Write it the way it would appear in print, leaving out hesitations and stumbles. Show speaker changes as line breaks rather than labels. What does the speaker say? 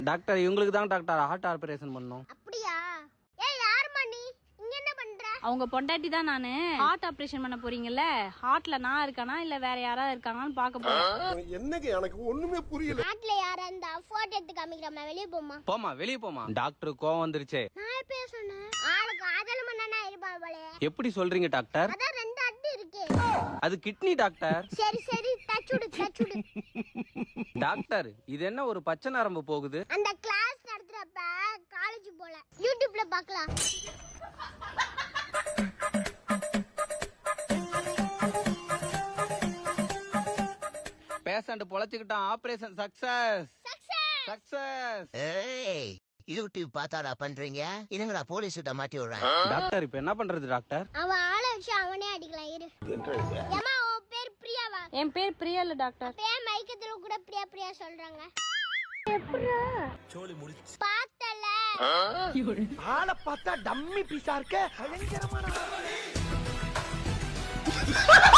Doctor இவங்களுக்கு தான் doctor heart operation பண்ணோம்.
அப்படியா? ஏய் யாரும்மா நீ? இங்க என்ன பண்ற?
அவங்க பொண்டாட்டி தான் நானு. ஹார்ட் ஆபரேஷன் பண்ண போறீங்கல்ல, ஹார்ட்ல நான் இருக்கானா இல்ல வேற யாராவது இருக்காங்கன்னு பாக்க போறேன்.
என்னங்க எனக்கு ஒண்ணுமே புரியல.
நாட்டுல யாரா இருந்தா போட்டோ எடுத்து காமிக்கிறோம், வெளிய போமா.
போமா வெளிய போமா. டாக்டர் கோவம் வந்துருச்சே.
நான் எப்ப சொன்னேன்? ஆளுக்கு ஆதல் மண்ணனா இருப்பா போலே.
எப்படி சொல்றீங்க டாக்டர்?
அதான் ரெண்டு அடி இருக்கு.
அது கிட்னி டாக்டர்.
சரி சரி டச்சுடு டச்சுடு.
டாக்டர் இது என்ன ஒரு பச்சை நரம்பு போகுது?
அந்த கிளாஸ் நடத்துறப்ப காலேஜ் போல யூடியூப்ல பார்க்கலாம்.
பேஷண்ட் பொழைச்சுக்கிட்டான். Operation success success.
ஏய் யூடியூப் பார்த்தாடா பண்றீங்க, என்னங்கடா போலீஸ் கிட்ட மாட்டி விடுறேன்.
டாக்டர் இப்ப என்ன பண்றது டாக்டர்?
அவன் ஆளை வச்சு அவனே அடிக்கலாம். இரு. ஏமா உன் பேர் பிரியாவா?
என் பேர் பிரியா இல்ல டாக்டர்.
பேர் மைக்கத்துல கூட பிரியா பிரியா சொல்றாங்க. எப்படா சோலி முடிச்சு பார்த்தல?
ஆளை பார்த்தா டம்மி பீஸா இருக்க பயங்கரமான